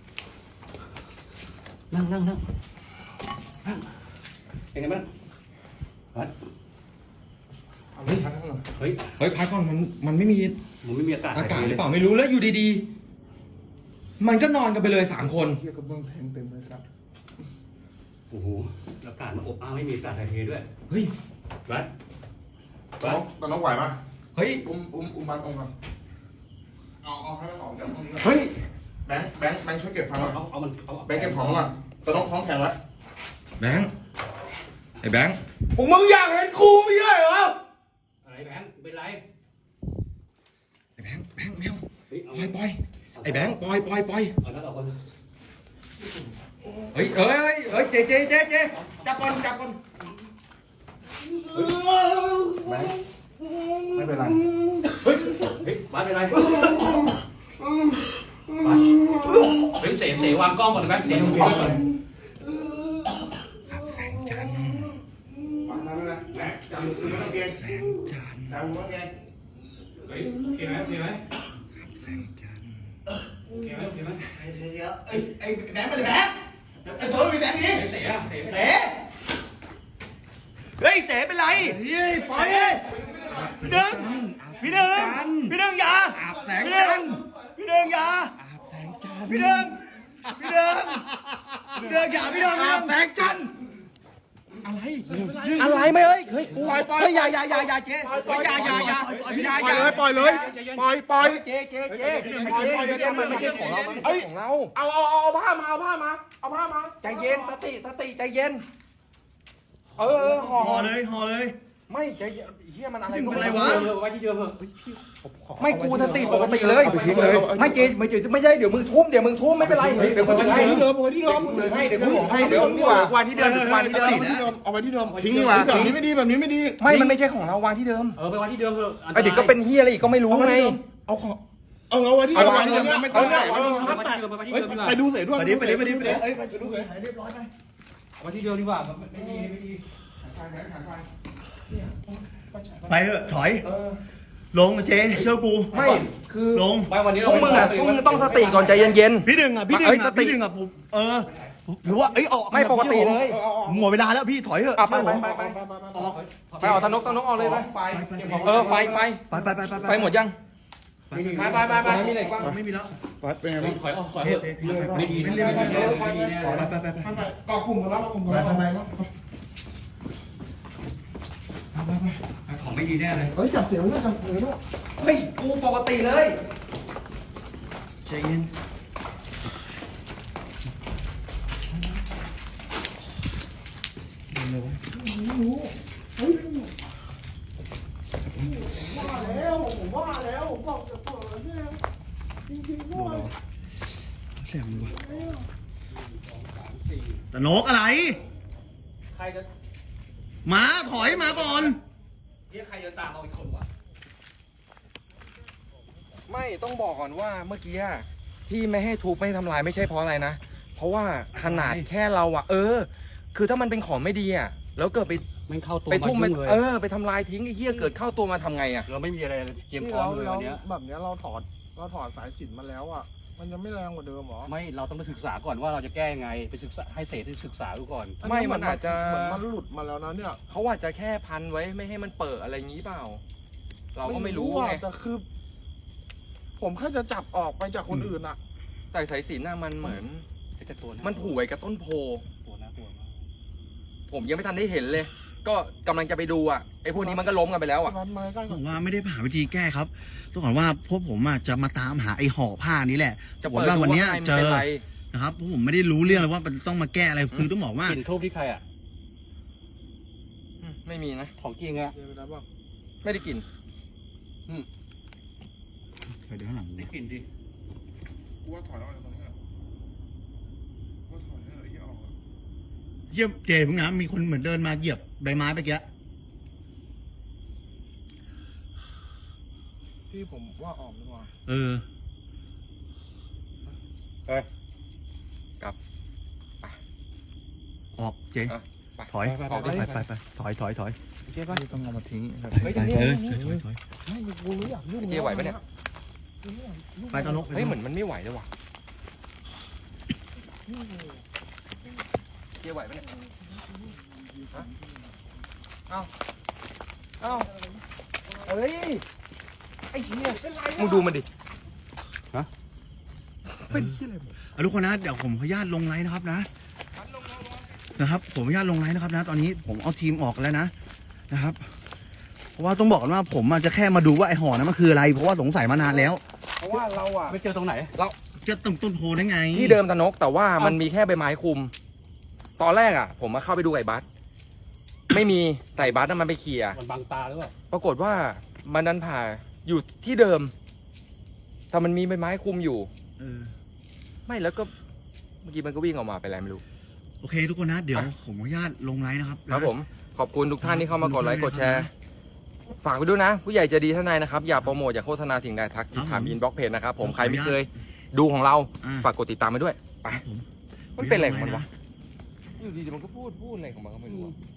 S4: นั่งนั่งนั่งนั่งนั่งเป็นไงบ้างบัด
S2: เอาเลยพักข้างหลัง
S4: เฮ้ย
S3: เฮ้ยพักก่อนมันมันไม่มี
S4: มันไม่มีอากาศ
S3: อากาศ
S4: ถ่ย
S3: ห
S4: เท
S3: รือเปล่าไม่รู้แล้วอยู่ดีๆ มันก็นอนกันไปเลยสามคน
S2: เหี้ยกระเบื้องแทงเต็มเลยสัตว์
S4: โอ้โหอากาศมันอบอ้าวไม่มีอากาศถ่ายเทด้วย
S3: เฮ้ย
S4: บัด
S2: ตะนกตะนกไหวปะ
S3: เฮ้ย
S2: อุ้มอุ้มอุ้มบัตรออกก่อนเอาเอาให้มันออกจากตรงนี้ก่อน
S3: เฮ้ย
S2: แบงค์แบงค์แบงค์ช่วยเก็บฟัง
S4: เอา
S2: ก่อน
S4: เอาเอามันเอา
S2: แบงค์เก็บของก่อนตะนกท้องแข็งไว้
S3: แบงค์ไอ้แบงค์
S6: พวกมึงอยากเห็นกูไม่ใช่เหรอ
S4: อะไรแบงค์เป็นไร
S3: ไอ้แบงค์แบงค์แมว
S4: เฮ้ย
S3: ปล่อยปล่อยไอ้แบงค์ปล่อยปล่อยปล่อย
S4: เอาแล้วเอาคน
S3: เฮ้ยเอ้ยเอ้ยเจเจเจเจจับก่อนจับก่อน
S2: แบงค์ไม่เป็นไร
S4: เฮ้ยเฮ้ยบัดเป็นไรบัดเฮ้ยเสเสวางกล้องก่อนนะแบงค์เสวางกล้องก่อน
S3: แสงจันทร์
S2: ฟังนะไม่เป็นไรแบงค์จับมือไม่ต้องเกรง
S3: แสงจันทร์
S2: จับมือไม่ต้องเกรง
S4: เฮ้ยโอเคไหมโอเคไหม
S3: แสงจันทร์
S4: โอเคไหมโอเคไหม
S1: เดี๋ยวไอ้ไอ้แบงค์ไปเลยแบงค์ไอ้ตัวมีแบงค์นี้ปล่อยพี่ดึงพี่ดึงพี่ดึงอย่าพี่ดึงพี่ดึงอย่าพี่ดึงพี่ดึงพี่ดึงอย่าพี่ดึงพี่ดึงแสงจันทร์
S3: อะไรไม่เอ้ยเฮ้ยกู
S6: ปล่อยปล่อย
S3: เฮ้ยอย่าอย่าอย่าอย่าเจ๊
S6: ปล่อย
S3: อย่าอย่าอย่า
S6: ปล่อยเลยปล่อยเลยปล่อยปล่อย
S3: เจ๊เจ๊เจ๊ปล่อยปล่อยเจ๊มันไม่ใช่ของเรามันไม่ใช่ของเรา
S6: เอาเอาเอาเอาผ้ามาเอาผ้ามาเอาผ้ามา
S3: ใจเย็นสติสติใจเย็นเออเออห่อ
S1: ห่อเลยห่อเลย
S3: ไม่ใจเย็นเฮียมันอะไรก็
S1: เป็น
S3: ไม่
S1: ไร
S3: รู้
S1: วะ
S4: เดิมไว้ที่เดิมเถอะ
S3: ไม่กูสติปกติเลยไม่เจ๊ไม่เจ๊ไม่ใช่เดี๋ยวมึงทุ่มเดี๋ยวมึงทุ่มไม่เป็นไรเดี๋ยวกูถือให้
S6: ที่เดิมเอาไว้ที่เดิม
S3: กูถือให้เดี๋ยวกูถือให้เดี๋ยวมึงวางวางที่เดิมวางที่เดิม
S6: เอาไว้ที่เดิมทิ้งดีกว่าแบบนี้ไม่ดีแบบนี้ไม่ดี
S3: ไม่มันไม่ใช่ของเราวางที่เดิม
S4: เออไปไว้ที่เดิมเถอะ
S3: ไอเด็กก็เป็นเฮียอะไรอีกก็ไม่รู้ไง
S6: เอาของเอาเอาไว้ที่เดิมไม่ต้องไม่ต้องไปดูเสร็จด้วย
S1: ไปดิไปดิไปดิไปดิ
S6: เอ้ยไปดูเสร็จ
S1: เรียบร้อยไป
S4: ไว้ที่เดิมดีกว่าไม่ดีไม่ดี
S1: ไปเถอะถอยลงเจ๊เชื่อกู
S3: ไม่คือ
S1: ลง
S4: ไปวันนี้
S3: พ
S4: เรา
S3: วกมึงอ่ะพวกมึงต้องสติก่อนใจเย็น
S1: พี่ดึงอ่ะพี่ดึง
S3: เอ้ย
S1: อ่ะ
S3: สติ
S1: พี่ดึงอ่ะผมเออหรือว่าเอ้ยออก
S3: ไม่ปกติเลย
S1: หมดเวลาแล้วพี่ถอยเถอะ
S3: อ่ะไปไปไป
S6: ไป
S3: ไป
S6: ไปไป
S1: ออก
S3: ไปเอาตะนกตะนกเอาเลยไป
S6: ไป
S3: เออไฟไฟ
S1: ไปไปไปไป
S3: ไฟหมดยัง
S6: ไปไปไปไป
S3: มีอะไรบ้าง
S1: ไม่มีแล้ว
S6: เป็นไงบ้าง
S4: ถอยออกถอยเถอะไม่ดีไม่ดีไม่ดีไม่ดีแน่
S1: ไปไปไปไป
S6: ไปกอกลุ่มกันแล้วกลุ่มกันแล้วไปไป
S4: ของไม่ดีแน่เลย
S6: เฮ้ยจับเสียงด้วยจับเสียงด้วย
S3: เฮ้ยกูปกติเลย
S1: ใจเย็น
S6: ว่าแล้วผมว่าแล้วผมบอกจะเปิดเนี่ยจริงๆด้วย
S1: แสบมือวะตะนกอะไร
S4: ใครจะ
S1: หมาถอยมาก่อน
S4: เรียกใครจะตามเอาอีกคนวะ
S3: ไม่ต้องบอกก่อนว่าเมื่อกี้อะที่ไม่ให้ทุบไม่ให้ทำลายไม่ใช่เพราะอะไรนะ เพราะว่าขนาดแค่เราอะเออ คือถ้ามันเป็นของไม่ดีอะแล้วเกิดไป
S4: มันเข้าตัว
S3: ไปทุ่ม
S4: มา
S3: ไป
S4: ยุ่งเลย
S3: เออไปทำลายทิ้งไอ้เหี้ยเกิดเข้าตัวมาทำไงอะ
S4: เราไม่มีอะไรเตรียม
S6: นี่
S4: พร้อ
S6: เรา
S4: มเลย
S6: เรา
S4: วันเนี้ย
S6: แบบเนี้ยเราถอดเราถอดสายสิญจนมาแล้วอ่ะมันจะไม่แรงกว่าเดิมหรอ
S4: ไม่เราต้องไปศึกษาก่อนว่าเราจะแก้ยังไงไปศึกษาให้เศษที่ศึกษาดูก่อน
S3: ไม่มันอาจจะ
S6: เหมือนมันหลุดมาแล้วนะเนี่ย
S3: เขาอาจจะแค่พันไว้ไม่ให้มันเปิดอะไรงี้เปล่า เราก็ไม่รู้
S6: อะ
S3: ไง
S6: แต่คือ ผมแค่จะจับออกไปจากคนอื่นอ่ะ
S3: แต่สายสิญจนน่ะมันเหมือน
S4: จะตัวะ
S3: มันผูกไว้กับต้นโพ
S4: ตัวน่ากลัวมาก
S3: ผมยังไม่ทันได้เห็นเลย ก็กำลังจะไปดูอ่ะไอ้พวกนี้มันก็ล้มกันไปแล้วอ่ะ
S6: รัดไม้ใกล้
S1: บ
S6: ก่อ
S1: อน กว่าไม่ได้หาวิธีแก้ครับต้องบอกว่าพวกผมอ่ะจะมาตามหาไอ้ห่อผ้านี้แหละ
S3: จะ
S1: บอก
S3: เปิด
S1: ว่า
S3: ดู
S1: วัน
S3: ว่า
S1: เนี้ย
S3: ข้างใน
S1: เจ
S3: มันเป็น
S1: อ
S3: ไร
S1: นะครับพวกผมไม่ได้รู้เรื่องเลยว่ามันต้องมาแก้อะไรคือต้องบอกว่าก
S4: ลิ่นทูบที่ใครอ่ะ
S3: อืมไม่มีนะ
S4: ของจริงอะ
S6: เดี๋ยวไปรับบ้าง
S3: ไม่ได้กลิน
S1: เดี๋ยวข้างหลัง
S4: ได้กลิ่นดิ
S6: กูว่าถอยออกจากตรงนี้อ่ะกูว่าถอยเลยไอ้เหี้ยออกอะ
S1: เยี่ยมเจพึ่งนะมีคนเหมือนเดินมาเหยียบใบไม้ไปเกี้ย
S6: พี่ผมว่าออกดีกว่า
S1: เออ
S3: เฮ้ยกลับ
S1: ออกเจ
S3: เออไป
S1: ถอย
S3: ไป
S1: ไป
S3: ไป
S1: ไป
S3: ไป
S1: ไปถอยถอยถอย
S6: เจ๊ป่ะต้องเอามาทิ้ง
S3: เฮ้ยตรงนี้
S1: เออ
S3: ตรงนี้
S1: ถอยถอย
S6: ไม่กูรู้อยากยุ่ง
S3: เจ๊ไหวปะเนี่ย
S1: ไปตอนนก
S3: เฮ้ยเหมือนมันไม่ไหวเลยว่ะเจ๊ไหวปะเนี่ยฮะเอ้าเอ้าเอ้ยไอ้เหี้ยมึงดูมันดิ
S1: เป็นที่อะไรเอาทุกคนนะเดี๋ยวผมขออนุญาตลงไลน์นะครับนะนะครับ ผมขออนุญาตลงไลน์นะครับนะ ตอนนี้ผมเอาทีมออกแล้วนะนะครับ เพราะว่าต้องบอกกันว่าผมอาจจะแค่มาดูว่าไอห่อนั้นมันคืออะไร เพราะว่าสงสัยมานานแล้ว
S3: เพราะว่าเราอะ
S4: ไม่เจอตรงไหน
S1: จะต้นต้นโพได้ไง
S3: ที่เดิมตะนกแต่ว่ามันมีแค่ใบไม้คุม ตอนแรกอะผมมาเข้าไปดูไอ้บัสไม่มีแต่ไอ้บัสน่ะมันไปเคลียร์
S4: มันบังตาหรือเปล่า
S3: ปรากฏว่ามันดันผ่าอยู่ที่เดิม แต่มันมีใบไม้คุมอยู่
S1: เออ
S3: ไม่แล้วก็เมื่อกี้มันก็วิ่งออกมาไปอะไรไม่รู้
S1: โอเค ทุกคนนะ เดี๋ยวผมขออนุญาตลงไลน์นะครับ
S3: ครับผมขอบคุณทุกท่านที่เข้ามากดไลค์กดแชร์ ฝากไปด้วยนะ ผู้ใหญ่ใจะดีท่านใดนะครับ อย่าโปรโมทอย่าโฆษณาสิ่งใดทักถามอินบ็อกเพจนะครับผมใครไม่เคยดูของเรา
S1: อ่า
S3: ฝากกดติดตามไปด้วยไป
S1: ครับผม
S3: มันเป็นอะไรของมันวะอยู่ดีๆมันก็พูดพูดอะไรของมันก็ไม่รู้อะ